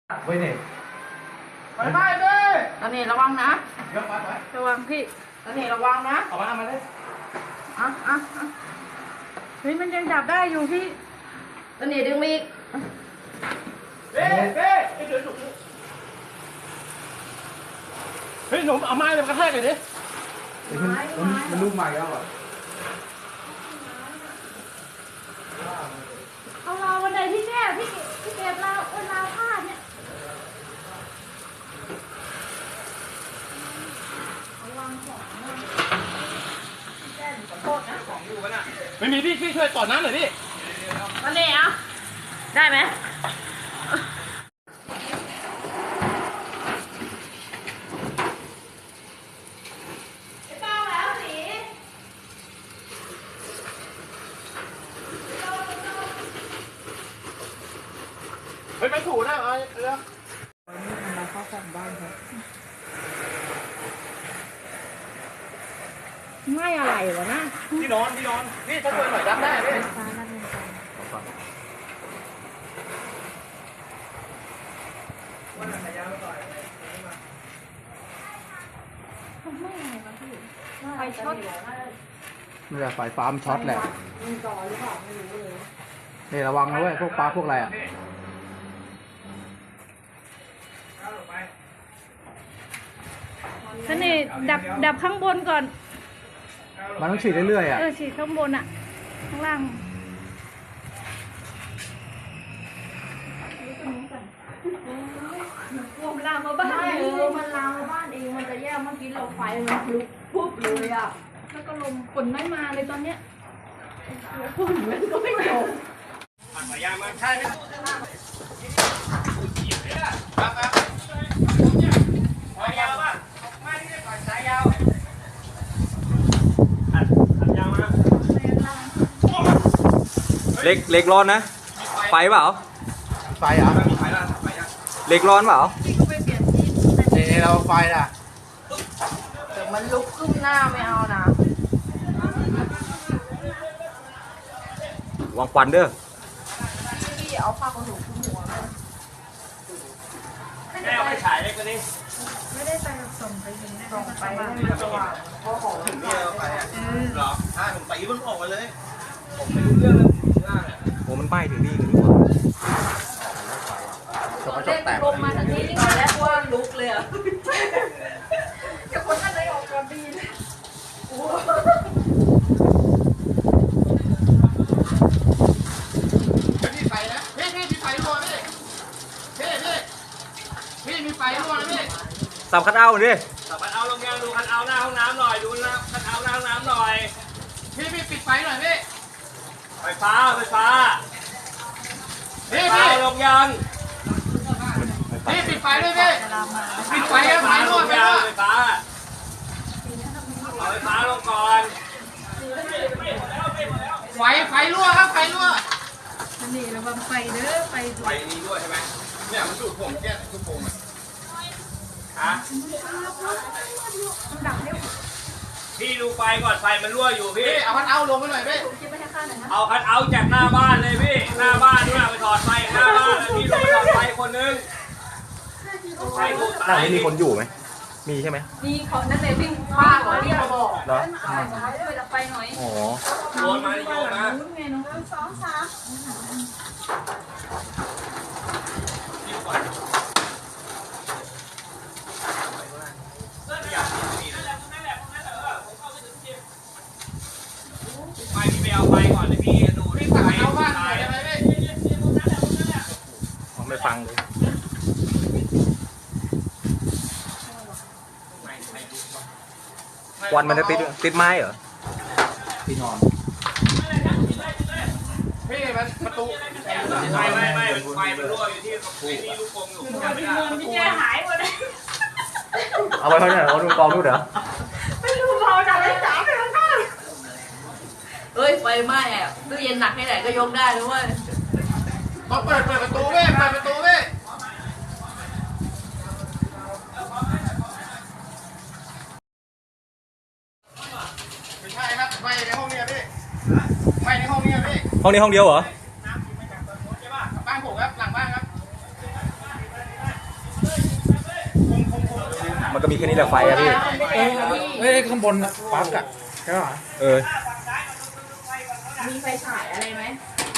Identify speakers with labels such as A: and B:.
A: ไว้เนี่ย
B: ไปไปเลย
C: ตอนนี้ระวังนะ
B: เดี๋ยวไ
C: ประวังพี่ตอนนี้ระวังนะ
B: เอามาเลย
C: เฮ้ยมันยังจับได้อยู่พี่ตอนนี้ดึงมีอีก
B: เฮ้ยหนุ่มเอาไม้เลยกระแทกเลยดิ
A: มันลูกใหม่แล้วอ่ะ
C: เอาเราวันไหนพี่แก้พี่เก็บเราผ้าเนี่ย
B: ไม่มีพี่ช่วยต่อน้ำหน่อยดิ
C: ตอนนี้อ่ะได้ไหม
B: เฮ้ยไม่ถูกนะเอาเร็ว
C: มาเข้าฝั่งบ้านครับง่ายอะไรวะนะ
B: ที่นอนนี่ถ้าช่วยหน่อยดับได้พี่
C: ฟ้าด้านบนกัน
B: วันไหนยาวไปก่อน
C: ไม่อะไรวะพี่ไฟช็อต
A: นี่แหละไฟฟ้ามันช็อตแหละ
C: มันจอหรือเปล่าไม่รู้เลย
A: นี่ระวังนะเว้ยพวกปลาพวกอะไรอ่ะ
C: ท่านนี่ดับข้างบนก่อน
A: มันต้องฉีดเรื่อยๆอ่ะ
C: ฉีดข้างบนอ่ะข้างล่างมันลามมาบ้านมันลามมาบ้านเองมันจะแย่เมื่อกี้เราไฟมันลุกปุ๊บเลยอ่ะแล้วก็ลมฝนไม่มาเลยตอนเนี้ยฝนมันก็ไม่ตก
B: สายยางมาใช่ไหมสายยาวป่ะไม่ได้ปล่อยสายยาวยาวมา
D: เล็กร้อนนะไฟเปล่า
A: ไฟอ่ะ
D: เล็กร้อนเปล่า
A: นี่เราไฟอ่ะ
C: แต่มันลุกขึ้นหน้าไม่เอานะ
D: วางควันเด้อ
C: พี่เอาผ้าขนหนูคลุมหัวเลย
B: แม่เอาไปฉายเล็กกว่านี้
C: ไม่ได้ไปส่งไปยิงได้ส่งไปสว่างเพราะของ
B: ถึงนี่เราไปอ่ะหรอใช่ผมตีมันออกมาเลยผมไม่รู้เรื่องเลย
D: โอ้มันป้ายถึงนี่กันดีกว่า
C: เด็กลงมาทางนี้ตอนแรกว่าลุกเลยอ่ะจะคนท่านไหนออกก่อนดีเลย
B: มีไฟนะพี่มีไฟรั่วพี่มีไฟรั่วนะพี่
D: สับคัดเอาดิ
B: สับคัดเอาลงยังดูคัดเอาหน้าห้องน้ำหน่อยดูนะคัดเอาหน้าห้องน้ำหน่อยพี่ปิดไฟหน่อยพี่ไฟฟ้าพี่ลงยังพี่ปิดไฟด้วยพี่ปิดไฟแล้วไฟรั่วไฟฟ้าเอาไฟฟ้าลงก่อนไฟรั่วครับไฟรั่ว
C: นี่ระวังไฟเด้อไฟ
B: นี้ด้วยใช่ไหมเนี่ยมันดูดผมแค่ทุกผมฮะพี่ดูไฟก่อนไฟมันรั่วอยู่พี่เอาคัทเอาลงไปหน่อยพี่เอาคัทเอาจากหน้าบ้านเลยพี่หน้าบ้านด้วยไปถอดไฟหน้าบ้านแล้วพี่ลงไปถอดไฟคนนึงไฟดูตาย
D: มีคนอยู่ไหมมีใช่ไหม
C: มีเขานั่นเลยวิ่งป้าเขาเรียกบอก
D: เหรอ
C: ไปดับไฟหน่อย
D: อ๋อ
B: โยนมาไปพี่ไปเอาไฟก่อนเลยพี่ดูพี่สั่งเอาบ้านไหนอะไร
D: ไม่ฟังเลยควันมันจะติดไม้เหรอ
A: ที่นอน
B: พี่มันประตูไม่ไฟมันรั่วอยู่ที่นี่ลูกกงอยู่
C: พี่แกหายหมดเลย
D: เอาไว้เท่าไหร่เอาดูกองดูเหรอ
C: ไม่รู้เราจะไปจับไปแล้วกันเฮ้ยไฟไหม้อะตู้เย็นหนักแค่ไหนก็ยกได้นะเว้ย
B: ต้องเปิดประตูเว้ยเปิดประตูเว้ยไม่ใช่ครับไฟในห้องนี้พี่ไฟในห้องนี้พี่
D: ห้องนี้ห้องเดียวเหรอ
B: บ้านผมครับหลังบ้านครับ
D: มันก็มีแค่นี้แหละไฟอะพี่
A: เอ้ยข้างบนปลั๊กอะใช่ป่ะ
D: เออ
C: มีไฟฉายอะไรไหม